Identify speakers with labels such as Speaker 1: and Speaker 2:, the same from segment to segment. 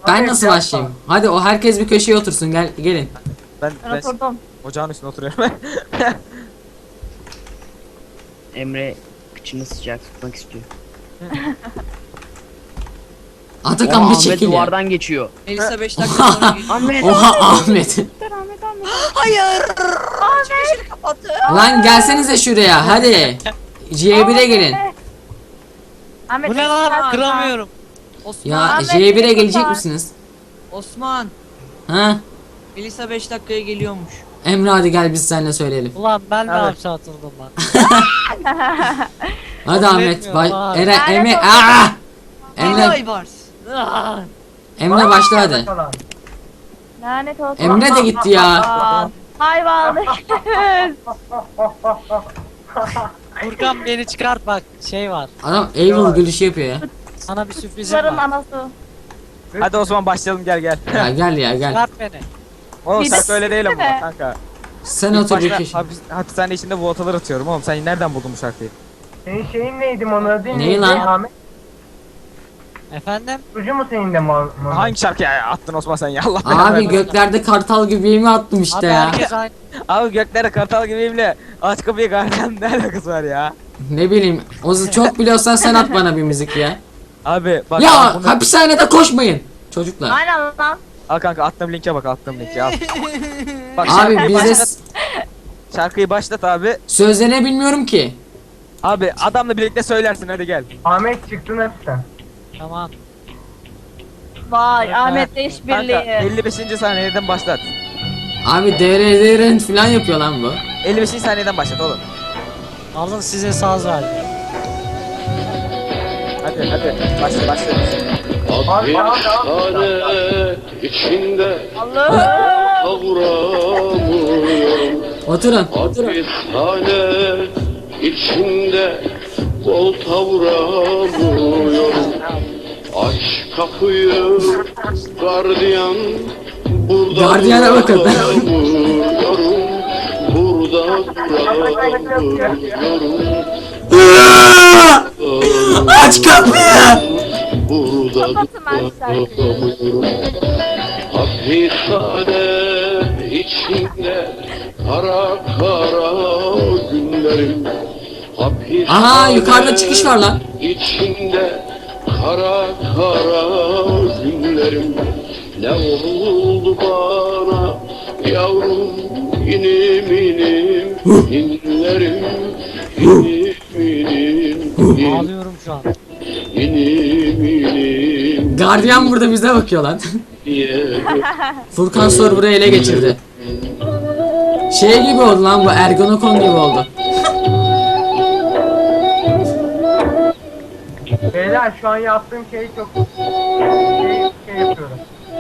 Speaker 1: Ben nasıl başlayayım? Hadi o herkes bir köşeye otursun, gelin.
Speaker 2: Ben
Speaker 3: Oturdum.
Speaker 2: ocağın üstüne oturuyorum.
Speaker 4: Emre kıçını sıcak tutmak istiyor.
Speaker 1: Atakan bir
Speaker 4: Ahmet
Speaker 1: çekil ya.
Speaker 4: duvardan geçiyor.
Speaker 5: Melisa 5 dakika sonra geliyor.
Speaker 4: Ahmet.
Speaker 1: Oha Ahmet.
Speaker 5: Hayır. Çıkışı kapattı.
Speaker 1: Lan gelsenize şuraya hadi. C1'e gelin.
Speaker 3: Ahmet,
Speaker 6: Bu ne lan? Kıramıyorum.
Speaker 5: Osman.
Speaker 1: Ya
Speaker 3: Ahmet,
Speaker 1: C1'e
Speaker 3: beni
Speaker 1: gelecek
Speaker 3: kurtar.
Speaker 1: misiniz?
Speaker 5: Osman.
Speaker 1: Ha?
Speaker 5: Melisa 5 dakikaya geliyormuş.
Speaker 1: Emre hadi gel biz seninle söyleyelim.
Speaker 6: Ulan ben de
Speaker 2: Evet.
Speaker 6: hapse atıldım lan.
Speaker 1: Hadi
Speaker 6: Kabul
Speaker 1: Ahmet.
Speaker 6: etmiyorum abi.
Speaker 1: Emre.
Speaker 3: Lanet olsun.
Speaker 1: Aa!
Speaker 5: Emre
Speaker 1: Emre,
Speaker 5: Aybars.
Speaker 1: Emre başla hadi.
Speaker 3: Lanet olsun.
Speaker 1: Emre de gitti ya.
Speaker 3: Aa, hayvanlık.
Speaker 6: Furkan beni çıkart bak şey var.
Speaker 1: Adam evil gülüşü yapıyor ya.
Speaker 6: Sana bir sürprizim
Speaker 3: Kızların
Speaker 6: var.
Speaker 3: anası.
Speaker 2: Hadi Osman başlayalım, gel gel.
Speaker 1: Ya gel ya gel.
Speaker 6: Çıkart beni.
Speaker 2: Oğlum
Speaker 3: Bir
Speaker 2: sen
Speaker 3: de-
Speaker 2: öyle değil ama
Speaker 3: de.
Speaker 2: kanka.
Speaker 1: Sen
Speaker 2: İlk
Speaker 1: otur bir
Speaker 2: başta
Speaker 1: köşeye.
Speaker 2: hapishane içinde voltalar atıyorum oğlum. Sen nereden buldun bu şarkıyı?
Speaker 7: Senin şeyin neydi Mona değil mi?
Speaker 1: Neyi lan?
Speaker 7: Ahmet
Speaker 6: Efendim?
Speaker 7: Sucu mu senin de Mona?
Speaker 2: Hangi şarkıya attın Osman sen ya, Allah belanı
Speaker 1: Abi
Speaker 2: versin.
Speaker 1: göklerde kartal gibi mi attım işte
Speaker 6: Abi
Speaker 1: ya.
Speaker 6: herkes aynı.
Speaker 2: Abi göklere kartal gibiyimle aç kapıyı gardiyan ne alakası var ya?
Speaker 1: Ne bileyim. Çok biliyorsan sen at bana bir müzik ya.
Speaker 2: Abi bak
Speaker 1: Ya
Speaker 2: bunu...
Speaker 1: hapishanede koşmayın. Çocuklar.
Speaker 3: Aynen lan.
Speaker 2: Al kanka, attığım linke bak, attığım linke al. Bak
Speaker 1: Abi
Speaker 2: şarkıyı
Speaker 1: bize
Speaker 2: başlat, şarkıyı başlat abi.
Speaker 1: sözlerini bilmiyorum ki.
Speaker 2: Abi adamla birlikte söylersin, hadi gel.
Speaker 7: Ahmet çıktın hepten.
Speaker 6: Tamam.
Speaker 3: Vay
Speaker 6: Evet.
Speaker 3: Ahmet'le
Speaker 2: Kanka
Speaker 3: işbirliği.
Speaker 2: 55. saniyeden başlat.
Speaker 1: Abi DRDR'n falan yapıyor lan bu.
Speaker 2: 55. saniyeden başlat oğlum.
Speaker 6: Alın size saz verdim.
Speaker 2: Hadi başla.
Speaker 8: Hapishane içinde
Speaker 3: Allah'ım.
Speaker 8: kavuramıyorum.
Speaker 1: Oturun.
Speaker 8: Hapishane içinde koltuğa vuramıyorum. Aç kapıyı gardiyan, burada
Speaker 1: Gardiyana bakın.
Speaker 8: duramıyorum. Burada duramıyorum.
Speaker 1: Aç kapıyı.
Speaker 8: Burada
Speaker 3: Kapatın ben
Speaker 8: duramıyorum. Hapishane içinde kara günlerim. Hapishane
Speaker 1: Aha, yukarıda çıkış var lan.
Speaker 8: İçinde kara günlerim. Ne oldu bana yavrum, inim inlerim. İnim
Speaker 6: Ağlıyorum şu an.
Speaker 8: inim
Speaker 1: Gardiyan burada bize bakıyor lan.
Speaker 8: diye.
Speaker 1: Furkan server'ı ele geçirdi. Şey gibi oldu lan bu, Ergonokon gibi oldu.
Speaker 7: Beyler şu an yaptığım şey çok şey yapıyorum.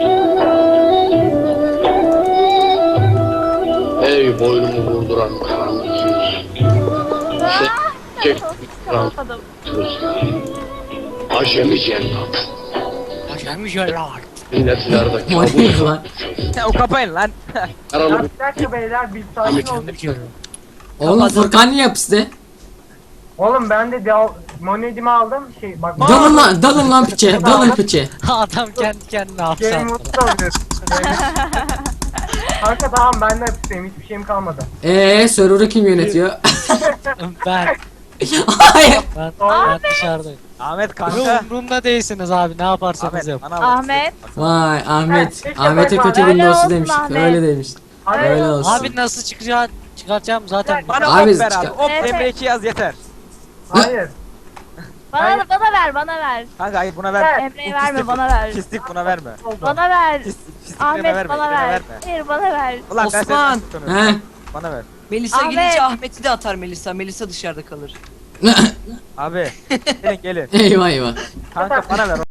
Speaker 8: Ey boynumu vurduran karanlık yüz. Sen çek
Speaker 3: Kapatamadım.
Speaker 8: acemi cennet.
Speaker 6: Acayip şeyler.
Speaker 8: Milletlerde
Speaker 1: O neydi lan?
Speaker 2: Ya o kapayın lan.
Speaker 7: Ya
Speaker 8: Karalı
Speaker 7: bir dakika beyler bir sakin olun.
Speaker 1: Oğlum Furkan niye hapiste?
Speaker 7: Oğlum ben de monedimi aldım şey bak.
Speaker 1: Dalın lan piçe. Dalın piçe.
Speaker 6: Adam kendi kendine hapse
Speaker 7: Game
Speaker 6: attı.
Speaker 7: mutlu oluyorsun. Kanka tamam ben de hapisteyim, hiçbir şeyim kalmadı.
Speaker 1: Server'ı kim yönetiyor?
Speaker 6: Ben.
Speaker 1: Hayır.
Speaker 6: Ben dışarıdayım.
Speaker 2: Ahmet
Speaker 6: Yo,
Speaker 2: kanka.
Speaker 6: umurumda değilsiniz abi ne yaparsanız
Speaker 2: Ahmet
Speaker 6: yapın.
Speaker 2: bana bak.
Speaker 3: Ahmet.
Speaker 1: Vay Ahmet.
Speaker 7: Keşke
Speaker 1: Ahmet'e
Speaker 7: ben-
Speaker 1: kötü
Speaker 3: Öyle
Speaker 1: Windows'u
Speaker 3: olsun
Speaker 1: demiş.
Speaker 3: Ahmet.
Speaker 1: Öyle demiş.
Speaker 7: Hayır.
Speaker 1: Öyle olsun.
Speaker 6: Abi nasıl çıkaracağım zaten.
Speaker 2: Bana
Speaker 1: Abi,
Speaker 2: ok ver abi. Ok
Speaker 3: Evet.
Speaker 2: Emre 2 yaz yeter.
Speaker 7: Hayır.
Speaker 3: Bana ver.
Speaker 2: Kanka hayır, buna ver.
Speaker 3: Emre'ye verme, bana ver.
Speaker 2: Pislik buna verme.
Speaker 3: Bana ver.
Speaker 2: Pislik
Speaker 3: Ahmet
Speaker 2: verme.
Speaker 3: bana
Speaker 2: birine
Speaker 3: ver.
Speaker 2: verme.
Speaker 3: Hayır bana ver.
Speaker 2: Ulan ben
Speaker 5: Osman.
Speaker 2: seni tutuyorum.
Speaker 1: He?
Speaker 2: Bana ver.
Speaker 5: Melisa
Speaker 3: Ahmet.
Speaker 5: gidince Ahmet'i de atar Melisa. Melisa dışarıda kalır.
Speaker 2: Abi gelin.
Speaker 1: Eyvah eyvah.
Speaker 2: Kanka bana ver.